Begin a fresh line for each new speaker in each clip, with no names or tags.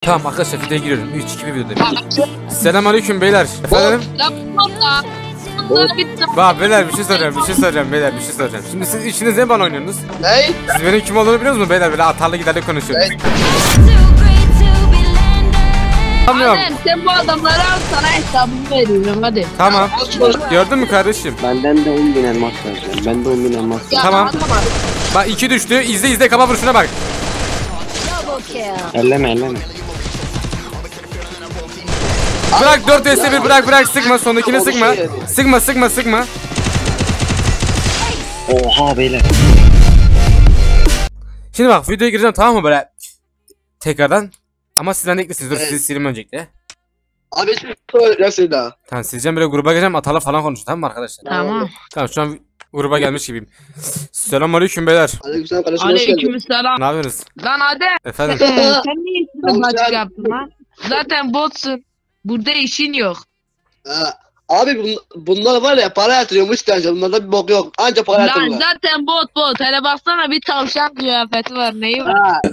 Tamam arkadaşlar videoya giriyorum. 3 2 1 videodayım. Selamünaleyküm beyler. Efendim? Bak beyler bir şey soracağım beyler bir şey soracağım. Şimdi siz işiniz ne bana oynuyorsunuz?
Ne?
Siz benim kim olduğunu biliyor musunuz beyler? Böyle atarlı giderli konuşuyoruz. Tamam.
Sen bu adamları al, sana hesabımı veriyorum hadi.
Tamam. Gördün mü kardeşim?
Benden de 10.000 elmas vereceğim. Ben de 10.000 elmas vereceğim.
Tamam. Bak 2 düştü. İzle kafa vuruşuna bak.
Elleme.
Bırak 4 vs 1 bırak sıkma sondakini sıkma.
Oha beyler.
Şimdi bak videoya gireceğim tamam mı böyle tekrardan. Ama sizden de eklisiniz. Dur sizi sileyim öncelikle.
Abi söyleyeceksin daha.
Tamam sileceğim böyle gruba geleceğim atarla falan konuşun tamam mı arkadaşlar?
Tamam.
Tamam şu an gruba gelmiş gibiyim. Selamünaleyküm beyler.
Aleykümselam kardeşim, hoş geldin.
Aleykümselam.
Ne yapıyorsunuz?
Lan hadi.
Efendim?
Sen niye ismini açık yaptın lan? Zaten botsun. Burada işin yok.
Ha, abi bunlar var ya para yatırıyormuş bence. Bunlarda bir bok yok. Anca para
Lan
yatırıyorlar.
zaten bot. Hele baksana bir tavşan kıyafeti var. Neyi var?
Ha.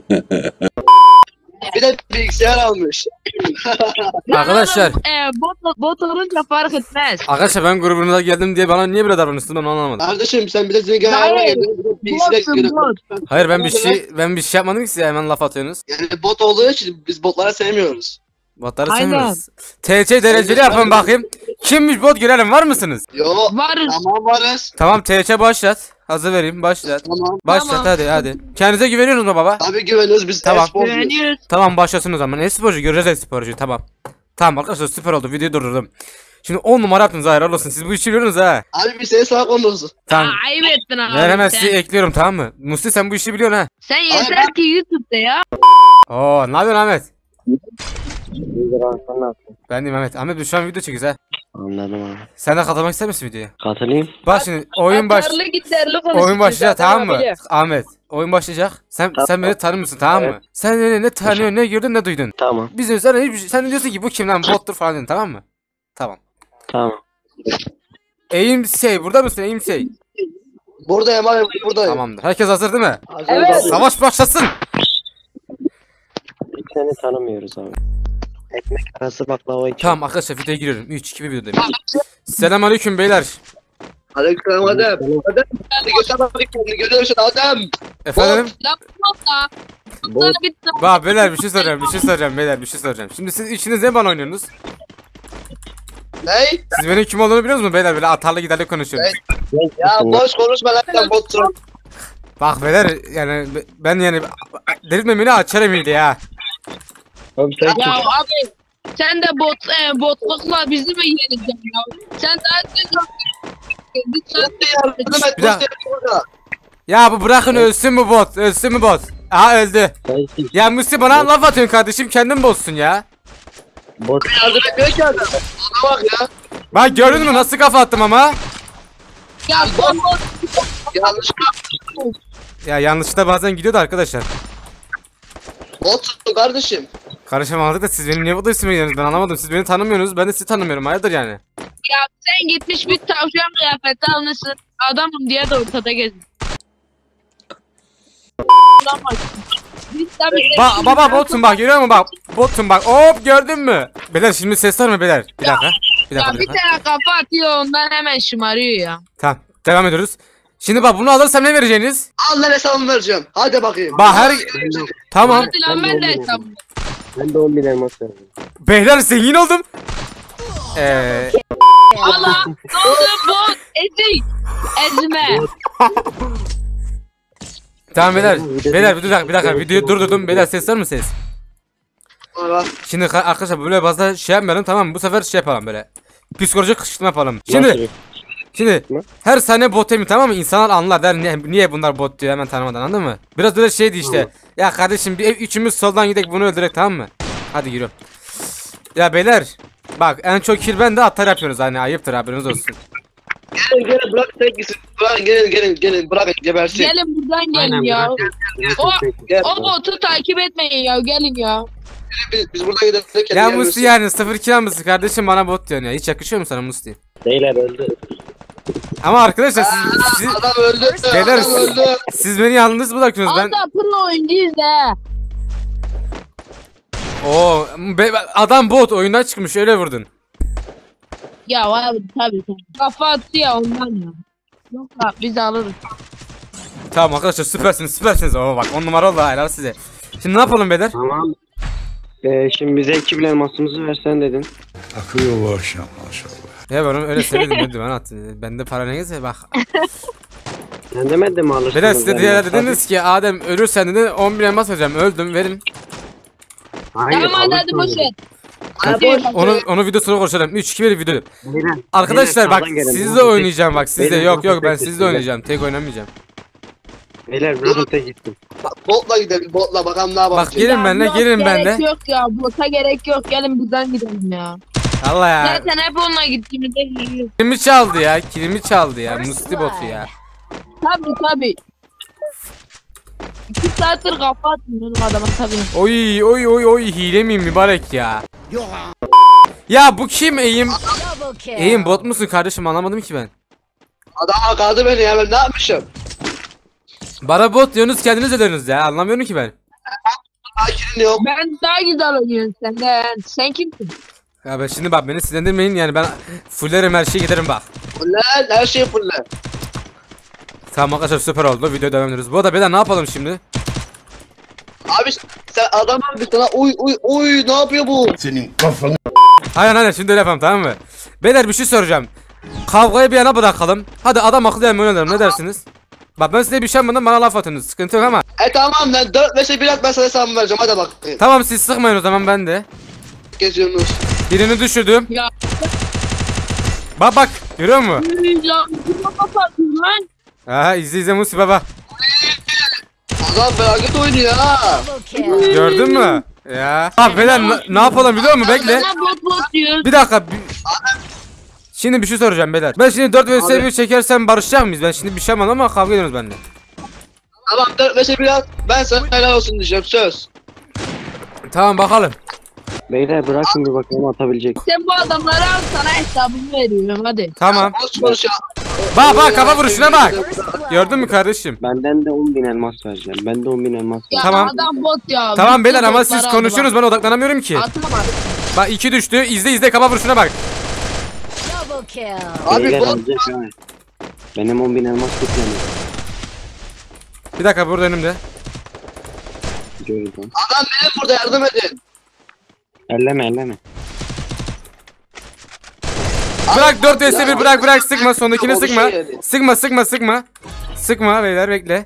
Bir de bilgisayar almış.
Arkadaşlar.
Bot olunca fark etmez.
Arkadaşlar ben grubunuza geldim diye bana niye böyle davranıyorsun ben anlamadım.
Kardeşim sen bir de zengin ayağına geldin. Bir de bilgisayar
Botsun
giriyorsun.
bot.
Hayır ben bir şey yapmadım ki size hemen laf atıyorsunuz.
Yani bot olduğu için biz botlara sevmiyoruz.
Botları
Aynen.
sevmiyoruz. TC dereceli yapın bakayım. Kimmiş bot görelim var mısınız?
Yo.
Varız.
Tamam varız.
Tamam TC başlat. Hazır vereyim başlat.
Tamam.
Başlat
Tamam.
hadi. Kendinize güveniyorsunuz mu baba?
Tabii güveniyoruz biz
Tamam.
e-sporcuyuz.
Güveniyoruz.
Tamam başlasın o zaman. E-sporcu göreceğiz e-sporcu tamam. Tamam arkadaşlar süper oldu videoyu durdurdum. Şimdi 10 numara yaptınız hayır olsun siz bu işi biliyorsunuz ha.
Abi biz seni salak oluruz.
Tamam.
Ayıp ettin abi.
Ben hemen
sen.
sizi ekliyorum tamam mı? Musti sen bu işi biliyorsun ha.
Sen yeter ki YouTube'da ya.
Oo ne yapıyorsun Ahmet?
İyidir abi sen ne yaptın?
Ben de Ahmet. Ahmet biz şu an video çekiyoruz ha.
Anladım abi.
Sen de katılmak ister misin videoya?
Katılayım.
Bak şimdi oyun başlayacak tamam mı? Ahmet oyun başlayacak. Sen beni tanımıyorsun tamam mı? Sen ne tanıyorsun ne gördün ne duydun.
Tamam.
Biz de sana hiçbir şey, sen de diyorsun ki bu kim lan bottur falan diyorsun tamam mı? Tamam.
Tamam.
Burada mısın Eğimsey?
Buradayım abi buradayım.
Tamamdır. Herkes hazır değil mi?
Evet.
Savaş başlasın.
Seni tanımıyoruz abi. Ekmek arası baklava için.
Tamam arkadaşlar videoya giriyorum. 3 2 1 videodayım. Selamünaleyküm beyler.
Aleykümselam Adem. Adem. Hadi göster bakayım kendini görüyorsun Adem.
Efendim?
Lan botla. Botla bitti.
Bak beyler bir şey soracağım beyler bir şey soracağım. Şimdi siz işiniz ne bana oynuyorsunuz?
Ne?
Siz benim kim olduğunu biliyor musunuz beyler böyle atarlı giderli konuşuyoruz.
Ya boş konuşma lan sen botsun.
Bak beyler yani ben yani delirtmemeni açarım iyiydi ya.
Abi sen
Ya abi sen de botlukla bizi mi yeneceksin ya? Sen daha
Bir dakika. Ya bu bırakın ölsün mü bot? Aha öldü.
sensin.
Ya Musti bana laf atıyorsun kardeşim kendin bozsun ya.
Bot.
Yardım etmiyor ki adam. Ona bak ya.
Bak gördün mü nasıl kafa attım ama?
ya bot.
Yanlış.
Ya yanlışlıkla bazen gidiyordu arkadaşlar.
Botsun kardeşim.
Karışamadık da siz benim niye bu da ismi gidiyorsunuz ben anlamadım. Siz beni tanımıyorsunuz ben de sizi tanımıyorum hayırdır yani.
Ya sen gitmiş bir tavşan kıyafeti almışsın. Adamım diye de ortada gezin.
Baba botsun bak görüyor musun bak. Botsun bak hop gördün mü? Beyler şimdi ses var mı beyler? Bir dakika.
Ya bir tane kafa atıyor ondan hemen şımarıyor ya.
Tamam devam ediyoruz. Şimdi bak bunu alırsam ne vereceğiniz?
Al lan hesabımı vereceğim. Hadi bakayım.
Bak tamam.
Hadi lan ben de hesabım.
Ben de 10.000 elmas vereceğim.
Beyler zengin oldum.
Allah ne oldu bot ezik. Ezme.
Tamam beyler. Beyler bir dakika videoyu durdurdum. Beyler ses var mı ses?
Bak.
Şimdi arkadaşlar böyle fazla şey yapmayalım tamam mı? Bu sefer şey yapalım böyle. Psikolojik kışkırtma yapalım. Şimdi her saniye bot emin tamam mı? İnsanlar anlar der niye bunlar bot diyor hemen tanımadan anladın mı? Biraz böyle şeydi işte. Ya kardeşim bir üçümüz soldan gidelim bunu öldürek tamam mı? Hadi giriyorum. Ya beyler bak en çok kill ben de atar yapıyoruz hani ayıptır haberiniz olsun.
Gelin bırak tek gitsin. Bırak gelin bırak gebersin.
Gelin buradan gelin ya. O botu takip etmeyin ya gelin ya.
Biz buradan gidelim.
Ya Musti yani 0 kill mısın kardeşim bana bot diyorsun ya hiç yakışıyor mu sana Musti?
Beyler öldü.
Ama arkadaşlar siz
Adam öldü.
Beyler,
Adam öldü.
siz beni yalnız bırakıyorsunuz ben.
Az da pırla oyuncuyuz he.
Oo, adam bot oyundan çıkmış öyle vurdun.
Ya abi tabii. Kafa attı ya ondan ya. Yok abi biz alırız.
Tamam arkadaşlar süpersiniz. Oo bak 10 numara oldu helal size. Şimdi ne yapalım beyler?
Tamam. Şimdi bize 2000 elmasımızı versen dedin.
Akıyor bu akşam maşallah.
Ya ben onu öyle söyledim dedim ben attım. Bende para ne gelse bak.
Sen demedin mi alırsın?
Beyler size diğer dediniz ki Adem ölürsen dedi 10.000 elmas vereceğim öldüm verin.
Hayır,
Tamam hadi boş ver.
Onu videosunu konuşalım. 3-2 bir video.
Beyler,
Arkadaşlar bak
sağdan gelin.
sizle oynayacağım bak sizle
Beyler,
yok
beyler,
ben
beyler,
sizle
beyler.
oynayacağım tek oynamayacağım.
Beyler vurun tek gittim.
Botla gidelim botla bakalım ne
Bak
yapacağız.
gelin benimle
yok,
gelin benimle.
Gerek yok ya bota gerek yok gelin buradan gidelim ya.
Allah ya.
Zaten hep onunla gittiğimizde geliyoruz.
Kilimi çaldı ya Musti botu ya.
Tabii. 2 saattir kafa atmıyorum adama tabii.
Oy hile miyim mübarek ya. Ya bu kim eğim? Eğim bot musun kardeşim anlamadım ki ben.
Adam kaldı beni ya ben ne yapmışım?
Bana bot diyorsunuz kendiniz ödüyorsunuz ya anlamıyorum ki ben.
Akilin yok.
Ben daha güzel oynuyorum senden. Sen kimsin?
Ya ben şimdi bak beni sinirlendirmeyin yani ben fullerim her şeye giderim bak.
Fuller her şey fuller.
Tamam arkadaşlar süper oldu video devam ediyoruz. Bu arada beyler ne yapalım şimdi?
Abi sen adam bir sana uy ne yapıyor bu?
Senin kafanı
Aynen şimdi öyle yapalım tamam mı? Beyler bir şey soracağım. Kavgayı bir yana bırakalım. Hadi adam akıllı yemin oynayalım ne dersiniz? Bak ben size bir şey yapmadım bana laf atınız sıkıntı yok ama.
Tamam lan 4 5'e 1 at ben sana hesabımı vereceğim hadi bak.
Tamam siz sıkmayın o zaman ben de.
Geziyorsunuz.
Birini düşürdüm.
Ya.
Bak görüyor musun?
Ya bu kafa atıyor lan.
Aha izle Musi baba.
Adam felaket oynuyor ha.
Gördün mü? Ya. Abi beyler ne yapalım biliyor musun? Bekle.
Bana bot diyor.
Bir dakika. Şimdi bir şey soracağım beyler. Ben şimdi 4 vs 1 çekersem barışacak mıyız? Ben şimdi bir şey yapmadım ama kavga ediyoruz bende.
Tamam 4 5'e 1 at ben sana helal olsun diyeceğim söz.
Tamam bakalım.
Beyler bırakın bir bakalım atabilecek.
Sen bu adamları al sana hesabımı veriyorum hadi.
Tamam.
Boş konuş ya.
Bak kafa vuruşuna bak. Gördün mü kardeşim?
Benden de 10.000 elmas vereceğim. Ben de 10.000 elmas
Ya
Tamam.
adam bot ya.
Tamam beyler
Bütün
ama
botları
siz
aldı
konuşuyorsunuz ben odaklanamıyorum ki.
bak. Atamadım.
Bak 2 düştü. İzle kafa vuruşuna bak.
Abi
Beyler
bot
alacak ha. Benim 10.000 elmas tutmuyor.
Bir dakika burada önümde.
Gördüm.
adam benim burada yardım edin.
Elleme.
Bırak 4 vs 1 bırak sıkma sondakini
O bir
sıkma.
şey yedi.
Sıkma. Sıkma beyler bekle.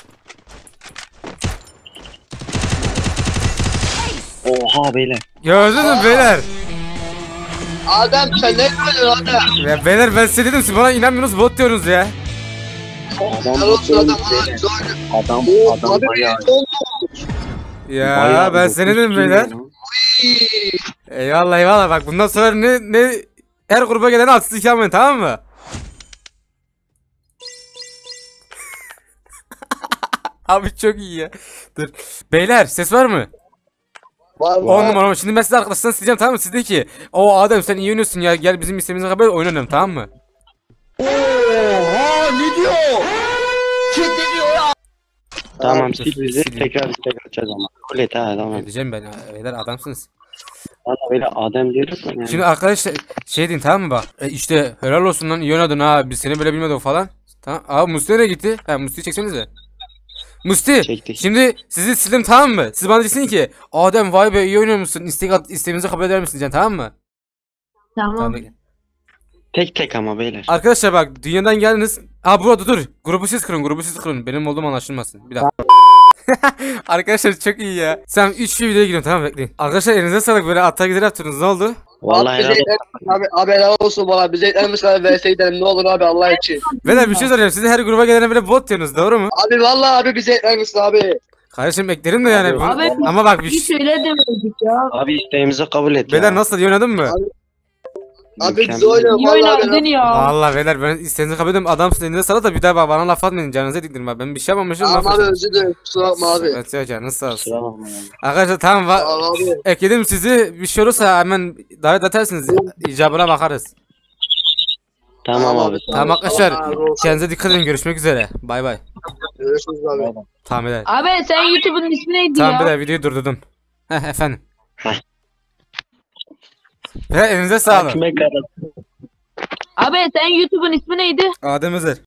Oha beyler.
Gördünüz mü beyler?
Adam sen ne yapıyorsun adam?
Ya beyler ben size dedim siz bana inanmıyorsunuz bot diyorsunuz ya.
Helal olsun adam.
Adam
Abi
bayağı.
olmuş.
Ya
bayağı
ben size ne dedim
dokuz
beyler?
kilo.
Eyvallah bak bundan sonra ne her gruba gelen haksızlık yapmayın tamam mı? Abi çok iyi ya. Dur. Beyler ses var mı?
Var
10 numara. Şimdi ben size arkadaşlarına sileceğim tamam mı? Siz de ki o Adem sen iyi oynuyorsun ya gel bizim istediğimize kadar oynayalım tamam mı?
Tamam
Dur,
sil bizi
sileyim.
tekrar açacağız ama. Kabul et ha tamam.
Edeceğim ben beyler adamsınız.
Valla böyle Adem diyoruz ya yani.
Şimdi arkadaşlar şey deyin tamam mı bak işte helal olsun lan iyi oynadın ha biz seni böyle bilmiyorduk falan. Tamam abi Musti nereye gitti? Ha Musti'yi çeksenize. Musti
Çektik.
şimdi sizi sildim tamam mı? Siz bana diyeceksin ki Adem vay be iyi oynuyor musun? İsteğimizi kabul eder misin diyeceksin tamam mı?
Tamam.
bekle.
Tek ama beyler.
Arkadaşlar bak dünyadan geldiniz. Ha burada dur. Grubu siz kurun. Benim olduğum anlaşılmasın. Bir dakika. Arkadaşlar çok iyi ya. Sen 3 videoya giriyorum tamam mı? Bekleyin. Arkadaşlar elinize sağlık böyle atta gider yaptınız ne oldu?
Vallahi
Abi, abi helal olsun bana bize etlerimiz kadar vs gidelim ne olur abi Allah için.
Beyler bir şey soracağım. Siz her gruba gelene böyle bot diyorsunuz doğru mu?
Abi vallahi abi bize etlerimiz abi.
Kardeşim eklerim de yani.
Abi,
Ama bak bir
Bir
şey.
söyle demedik ya.
Abi isteğimizi kabul et
Beyler
ya.
nasıl iyi oynadın mı?
Abi
Mükemmel.
bize oynuyor
İyi
vallahi.
oynadın ya.
Vallahi beyler ben isteğinizi kabul ediyorum. Adamsın elinize sağlık da bir daha bak bana laf atmayın canınıza diktirin bak. Ben bir şey yapmamışım.
Tamam
laf
abi
atın.
özür dilerim kusura bakma abi.
Evet ya canınız sağ olsun.
Kusura bakma ya.
Arkadaşlar tamam
Tamam abi.
ekledim sizi. Bir şey olursa hemen davet edersiniz. İcabına bakarız.
Tamam abi.
Tamam arkadaşlar
Allah razı olsun.
kendinize dikkat edin görüşmek üzere. Bay bay.
Görüşürüz abi.
Tamam beyler.
Abi sen YouTube'un ismi neydi
Tamam
ya?
beyler videoyu durdurdum. Heh efendim. Ve elinize sağlık.
Ekmek arası.
Abi sen YouTube'un ismi neydi?
Adem Özer.